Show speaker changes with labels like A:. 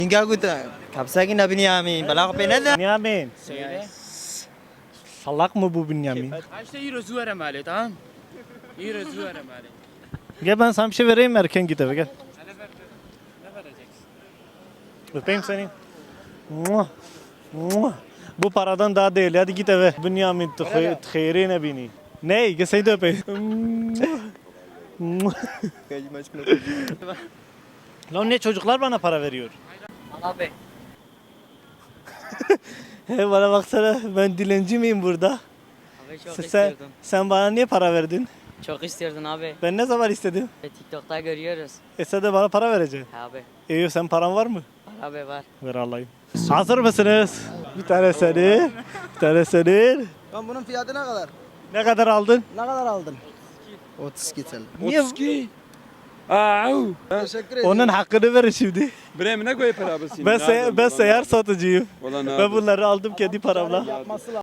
A: İnga kutu. Kapsaki na Binyamin. Bala ko pinada.
B: Bünyamin.
C: Söyle.
B: Salak mı bu Bünyamin?
C: Ha işte euro zuvarım hali tamam. Euro zuvarım hali.
B: Gel ben sana bir şey vereyim erken git eve gel.
C: Hadi ver. Ne vereceksin?
B: Öpeyim seni. Muah, muah. Bu paradan daha değil. Hadi git eve. Bünyamin txeyrine bini. Ney? Gel seni de öpeyim. Muah. Lan ne çocuklar bana para veriyor?
D: Abi.
B: He bana baksana ben dilenci miyim burada?
D: Abi çok
B: Sen,
D: istiyordum.
B: sen bana niye para verdin?
D: Çok istiyordun abi.
B: Ben ne zaman istedim?
D: TikTok'ta görüyoruz.
B: Sen de bana para vereceksin.
D: Abi.
B: Sen paran var mı?
D: Var abi var.
B: Ver alayım. Hazır mısınız? Bir tane senin, bir tane senin.
A: Lan bunun fiyatı ne kadar?
B: Ne kadar aldın?
A: Ne kadar aldın? 32 TL.
B: Niye?
E: Au.
A: Teşekkür ederim.
B: Onun hakkını verin şimdi.
E: Bre ne koy para basayım?
B: Ben seyyar satıcıyım.
E: Valla ne
B: Ben bunları aldım kendi paramla.